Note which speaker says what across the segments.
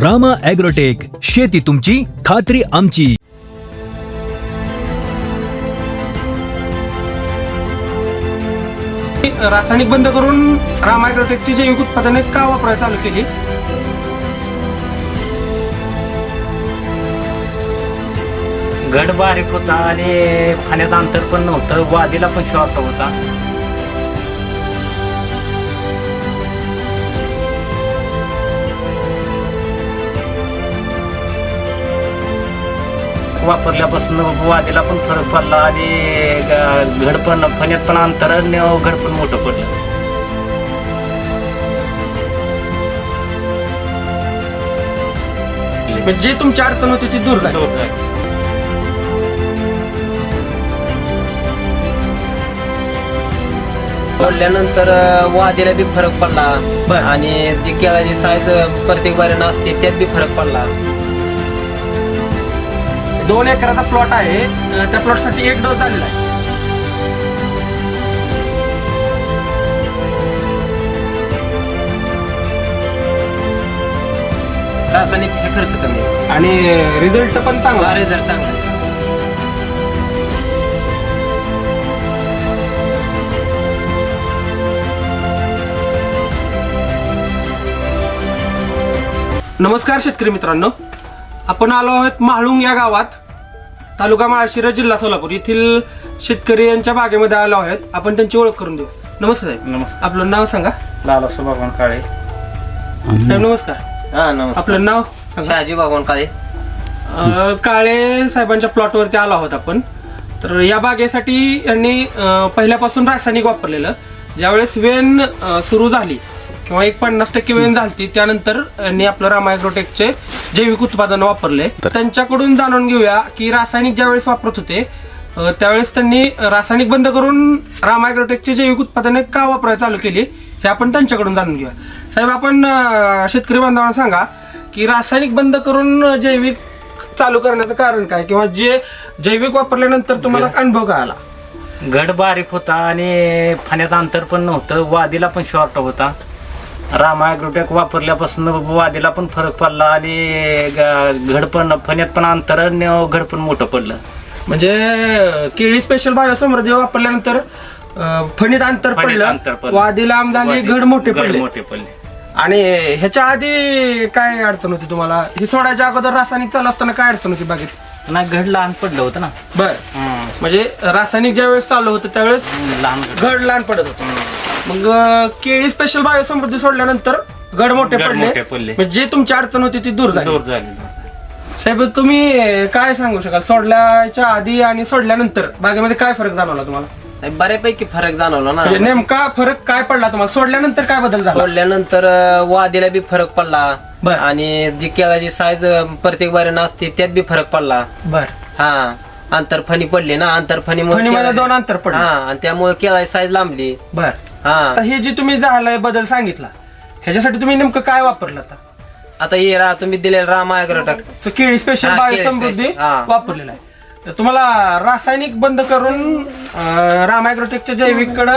Speaker 1: Rama agrotech, शेती तुमची, खात्री आमची.
Speaker 2: रासायनिक बंद करून रामा ॲग्रोटेकची जैविक उत्पादने का वापरायला चालू केली?
Speaker 3: गड बारीक होता आणि पाण्यात अंतर पण नव्हतं, वादीला पण शॉर्ट होता. वापरल्यापासून वादीला पण फरक पडला आणि घड पण फण्यात पण अंतर आणि घड पण मोठं पडलं.
Speaker 2: जे तुमची अडचण होती ती दूर झाली.
Speaker 4: सोडल्यानंतर वादीला बी फरक पडला
Speaker 2: बरं.
Speaker 4: आणि जी केळाची साईज प्रत्येक बारीनं असते त्यात बी फरक पडला.
Speaker 2: 2 एकराचा प्लॉट आहे, त्या प्लॉट साठी 1 डोस झालेला आहे.
Speaker 4: रासायनिक खर्च कमी आहे.
Speaker 2: आणि रिझल्ट पण चांगला आहे.
Speaker 4: रिझल्ट चांगला आहे.
Speaker 2: नमस्कार शेतकरी मित्रांनो, आपण आलो आहोत म्हाळुंग या गावात, तालुका माळशिरस, जिल्हा सोलापूर येथील शेतकरी यांच्या बागेमध्ये आलो आहोत. आपण त्यांची ओळख करून देऊ. नमस्कार साहेब.
Speaker 3: नमस्कार.
Speaker 2: आपलं नाव सांगा.
Speaker 3: लालासो भगवान काळे.
Speaker 2: साहेब नमस्कार.
Speaker 4: हा नमस्कार.
Speaker 2: आपलं नाव सांगा.
Speaker 4: शहाजी भगवान काळे.
Speaker 2: काळे साहेबांच्या प्लॉटवरती आलो आहोत आपण. तर या बागेसाठी यांनी पहिल्यापासून रासायनिक वापरलेलं. ज्यावेळेस वेन सुरू झाली किंवा 50% वेन झाली, त्यानंतर यांनी आपलं रामा ॲग्रोटेकचे जैविक उत्पादन वापरले. त्यांच्याकडून जाणून घेऊया की रासायनिक ज्यावेळेस वापरत होते त्यावेळेस त्यांनी रासायनिक बंद करून रामा ॲग्रोटेकची जैविक उत्पादने का वापरायला चालू केली हे आपण त्यांच्याकडून जाणून घेऊया. साहेब, आपण शेतकरी बांधवांना सांगा की रासायनिक बंद करून जैविक चालू करण्याचं कारण काय, किंवा जे जैविक वापरल्यानंतर तुम्हाला अनुभव काय आला?
Speaker 3: घड बारीक होता आणि पाण्यात अंतर पण नव्हतं, वादीला पण शॉर्ट होता. रामा ॲग्रोटेक वापरल्यापासून वादीला पण फरक पडला आणि घड पण फण्यात पण अंतर आणि घड पण मोठं पडलं.
Speaker 2: म्हणजे केळी स्पेशल बायो समृद्धी वापरल्यानंतर फणीत अंतर पडलं, वादी लांब झाली, घड मोठे पडले. आणि ह्याच्या आधी काय अडचण होती तुम्हाला? हे सोडायच्या अगोदर रासायनिक चालू असताना काय अडचण होती बागेत?
Speaker 3: नाही, घड लहान पडलं होतं ना.
Speaker 2: बर. म्हणजे रासायनिक ज्या वेळेस चालू होतं त्यावेळेस
Speaker 3: लहान
Speaker 2: घड लहान पडत होतं. मग केळी स्पेशल बायो समृद्धी सोडल्यानंतर घड मोठे पडले. म्हणजे जे तुमची अडचण होती ती दूर झाली. साहेब, तुम्ही काय सांगू शकाल सोडल्याच्या आधी आणि सोडल्यानंतर बागेमध्ये काय फरक जाणवला तुम्हाला?
Speaker 4: नाही, बऱ्यापैकी फरक जाणवला ना.
Speaker 2: म्हणजे नेमका फरक काय पडला तुम्हाला? सोडल्यानंतर काय बदल झाला?
Speaker 4: सोडल्यानंतर वादीला बी फरक पडला
Speaker 2: बरं.
Speaker 4: आणि जी केळाची साईज प्रत्येक बारीनं असते त्यात बी फरक पडला.
Speaker 2: बर.
Speaker 4: हा, आंतरफणी पडली ना. आंतरफणीमुळे
Speaker 2: फणीमध्ये 2 अंतर पडले.
Speaker 4: हा, आणि त्यामुळे केळाची साईज लांबली.
Speaker 2: बर.
Speaker 4: हा,
Speaker 2: आता हे जे तुम्ही झालंय बदल सांगितला, ह्याच्यासाठी तुम्ही नेमकं काय वापरलं?
Speaker 4: आता हे तुम्ही दिलेलं रामा ॲग्रोटेक
Speaker 2: तर केळी स्पेशल
Speaker 4: हा,
Speaker 2: बायो
Speaker 4: केळी
Speaker 2: समृद्धी
Speaker 4: स्पेशल, हा.
Speaker 2: वापरलेला आहे. तर तुम्हाला रासायनिक बंद करून रामा ॲग्रोटेकच्या जैविक कडे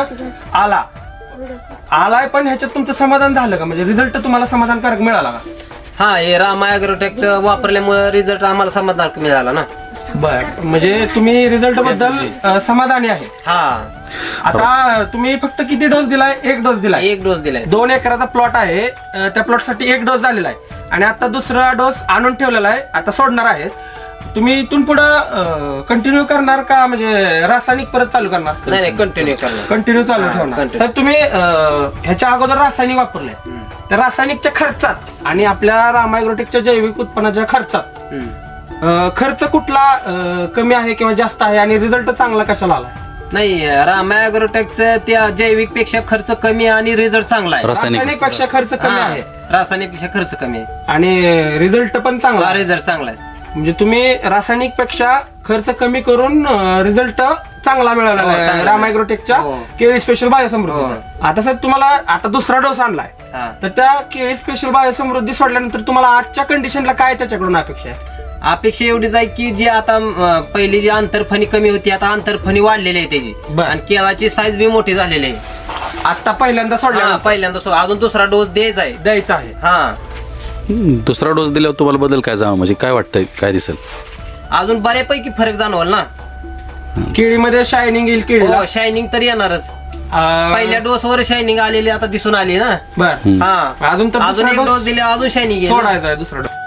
Speaker 2: आलाय, पण ह्याच्यात तुमचं समाधान झालं का? म्हणजे रिझल्ट तुम्हाला समाधानकारक मिळाला का?
Speaker 4: हा, हे रामा ॲग्रोटेकचं वापरल्यामुळे रिझल्ट आम्हाला समाधान मिळाला ना.
Speaker 2: बर. म्हणजे तुम्ही रिझल्ट बद्दल समाधानी आहे.
Speaker 4: हा,
Speaker 2: आता तुम्ही फक्त किती डोस दिलाय? 1 डोस दिलाय.
Speaker 4: 1 डोस दिलाय.
Speaker 2: 2 एकराचा प्लॉट आहे, त्या प्लॉट साठी 1 डोस झालेला आहे आणि आता दुसरा डोस आणून ठेवलेला आहे, आता सोडणार आहे. तुम्ही इथून पुढे कंटिन्यू करणार का, म्हणजे रासायनिक परत चालू करणार?
Speaker 4: नाही, कंटिन्यू करणार.
Speaker 2: कंटिन्यू चालू ठेवणार.
Speaker 4: continue.
Speaker 2: तर तुम्ही ह्याच्या अगोदर रासायनिक वापरले, त्या रासायनिकच्या खर्चात आणि आपल्या रामा ॲग्रोटेकच्या जैविक उत्पन्नाच्या खर्चात खर्च कुठला कमी आहे किंवा जास्त आहे, आणि रिझल्ट चांगला कशाला आला?
Speaker 4: नाही, रामा ॲग्रोटेकचं त्या जैविक पेक्षा खर्च कमी आणि रिझल्ट चांगला आहे.
Speaker 2: रासायनिक पेक्षा खर्च कमी आहे
Speaker 4: रासायनिक पेक्षा खर्च कमी आहे
Speaker 2: आणि रिझल्ट पण चांगला आहे.
Speaker 4: रिझल्ट चांगला आहे.
Speaker 2: म्हणजे तुम्ही रासायनिक पेक्षा खर्च कमी करून रिझल्ट चांगला मिळाला
Speaker 4: हो,
Speaker 2: आहे
Speaker 4: चांगला
Speaker 2: रामा ॲग्रोटेकच्या
Speaker 4: हो.
Speaker 2: केळी स्पेशल बायो समृद्धीचा. आता साहेब, तुम्हाला आता दुसरा डोस आणलाय,
Speaker 4: हा.
Speaker 2: तर त्या केळी स्पेशल बायो समृद्धी सोडल्यानंतर तुम्हाला आजच्या कंडिशनला काय त्याच्याकडून अपेक्षा आहे?
Speaker 4: अपेक्षा एवढीच आहे की जी आता पहिली जी आंतरफणी कमी होती, आता आंतरफणी वाढलेली आहे त्याची.
Speaker 2: बरं.
Speaker 4: आणि केळाची साईज बी मोठी झालेली आहे.
Speaker 2: आता पहिल्यांदा सोडल्या
Speaker 4: पहिल्यांदा अजून दुसरा डोस द्यायचा आहे.
Speaker 2: द्यायचा आहे.
Speaker 4: हा,
Speaker 5: दुसरा डोस दिल्यावर तुम्हाला बदल काय जाणवं, म्हणजे काय वाटतंय, काय दिसेल?
Speaker 4: अजून बऱ्यापैकी फरक जाणवल ना.
Speaker 2: केळीमध्ये शायनिंग येईल केळीला.
Speaker 4: हो, शायनिंग तर येणारच. पहिल्या डोस वर शायनिंग आलेली आता दिसून आली ना.
Speaker 2: बर
Speaker 4: हा,
Speaker 2: अजून तर
Speaker 4: अजून
Speaker 2: दुसरा
Speaker 4: एक
Speaker 2: डोस
Speaker 4: डोस दिले अजून शायनिंग येईल.
Speaker 2: सोडायचा आहे दुसरा डोस.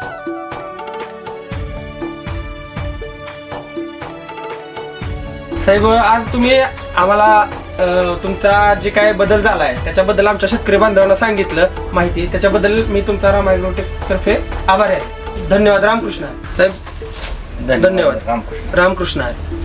Speaker 2: साहेब आज तुम्ही आम्हाला तुमचा जे काय बदल झालाय त्याच्याबद्दल आमच्या शेतकरी बांधवांना सांगितलं माहिती, त्याच्याबद्दल मी तुमचा राम ॲग्रोटेक तर्फे आभारी आहे. धन्यवाद. रामकृष्ण साहेब. धन्यवाद.
Speaker 3: रामकृष्ण.
Speaker 2: रामकृष्ण.